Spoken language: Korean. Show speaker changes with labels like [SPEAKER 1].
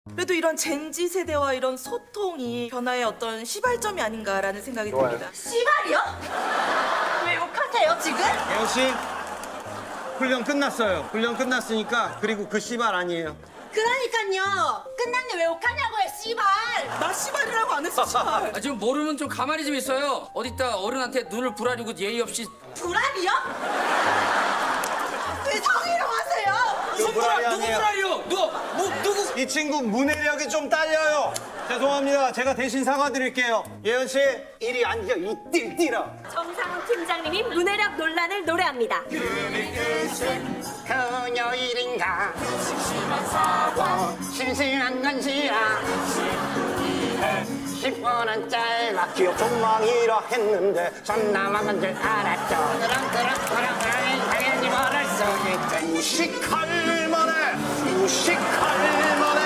[SPEAKER 1] 그래도 이런 젠지 세대와 이런 소통이 변화의 어떤 시발점이 아닌가라는 생각이 듭니다.
[SPEAKER 2] 씨발이요? 왜 욕하세요 지금?
[SPEAKER 3] 예원 씨, 훈련 끝났어요. 훈련 끝났으니까 그리고 그 씨발 아니에요.
[SPEAKER 2] 그러니까요. 끝났는데 왜 욕하냐고요 씨발.
[SPEAKER 1] 나 시발이라고 안 했어, 시발.
[SPEAKER 4] 아, 지금 모르면 좀 가만히 좀 있어요. 어디다 어른한테 눈을 부라리고 예의 없이.
[SPEAKER 2] 불알이요? 왜 성희롱 하세요?
[SPEAKER 4] 누구 부라리요? 누구?
[SPEAKER 3] 이 친구 문해력이 좀 딸려요. 죄송합니다. 제가 대신 사과드릴게요. 예원 씨, 이리 앉아, 이 띨띨아.
[SPEAKER 5] 정상훈 팀장님이 문해력 논란을 노래합니다.
[SPEAKER 6] 금요일인가 심심한 건지라 10분은 짧아
[SPEAKER 3] 기억 전망이라 했는데
[SPEAKER 6] 손 남아간 줄 알았죠 그럼 당연히 모를 수 있지
[SPEAKER 3] 무식할 만해, 무식할 만해.